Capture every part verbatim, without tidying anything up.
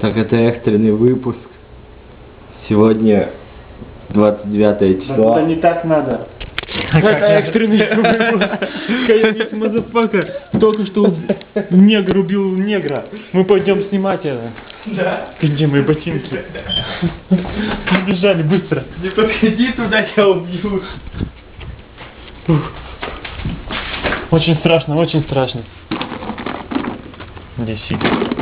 Так, это экстренный выпуск. Сегодня двадцать девятое число. Да, это не так надо. Это экстренный выпуск. Каянец мазафака только что негр убил негра. Мы пойдем снимать это. Да. Где мои ботинки? Побежали быстро. Не подходи туда, я убью. Очень страшно, очень страшно. Лисик.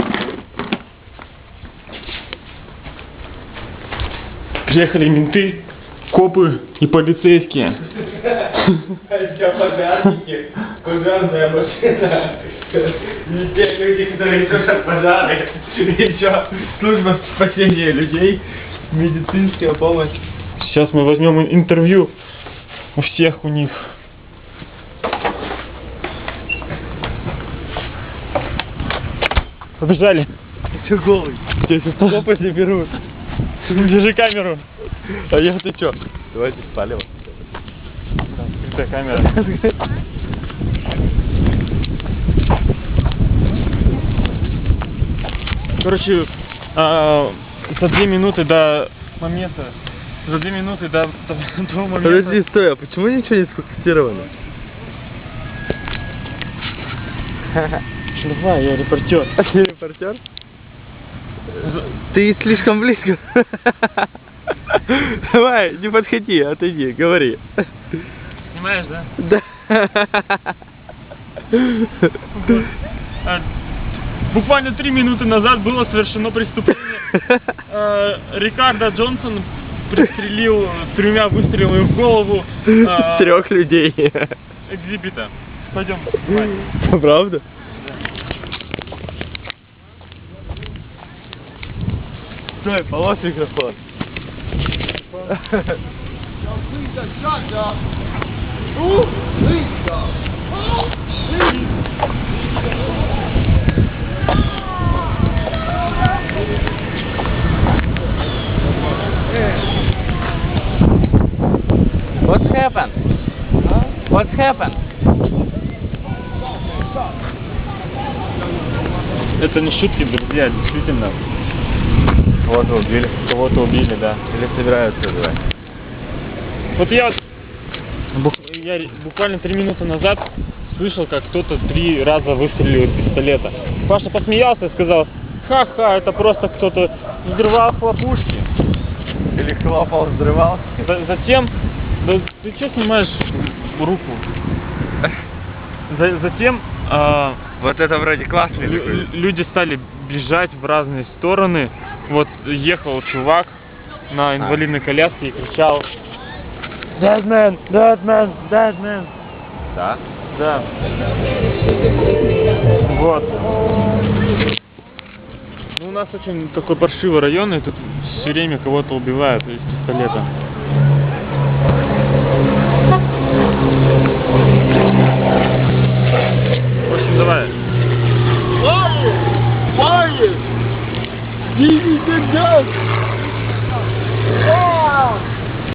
Приехали менты, копы и полицейские. Это пожарники, пожарная машина. И те люди, которые тушат пожары. Еще служба спасения людей, медицинская помощь. Сейчас мы возьмем интервью у всех у них. Побежали. Ты голый. Тебя сейчас копы заберут. Держи камеру. А я ты чё? Давайте спалим. Скрытая камера. Короче, а, за две минуты до момента, за две минуты до, до, до момента... Подожди, стой, а почему ничего не сфокусировано? Давай, я репортер. Ты репортер? Ты слишком близко. Давай, не подходи, отойди, говори. Снимаешь, да? Да. А, буквально три минуты назад было совершено преступление. А, Рикардо Джонсон пристрелил тремя выстрелами в голову а, трех людей. Экзибита. Пойдем. Давай. Правда? Стой, полос микрофон. What's happened? What's happened? Это не шутки, друзья, действительно. Кого-то убили. Кого-то убили, да. Или собираются убивать. Вот я, бух, я буквально три минуты назад слышал, как кто-то три раза выстрелил из пистолета. Паша посмеялся и сказал: ха-ха, это просто кто-то взрывал хлопушки. Или хлопал, взрывал. Затем, да, ты что снимаешь руку? За, затем а, вот это вроде классный лю, такой. Люди стали бежать в разные стороны. Вот ехал чувак на инвалидной коляске и кричал: Dead man, dead man, dead man. Да? Да. Вот. Ну, у нас очень такой паршивый район, и тут все время кого-то убивают из пистолета. В общем, давай. Quiet! Quiet! Give me the gun!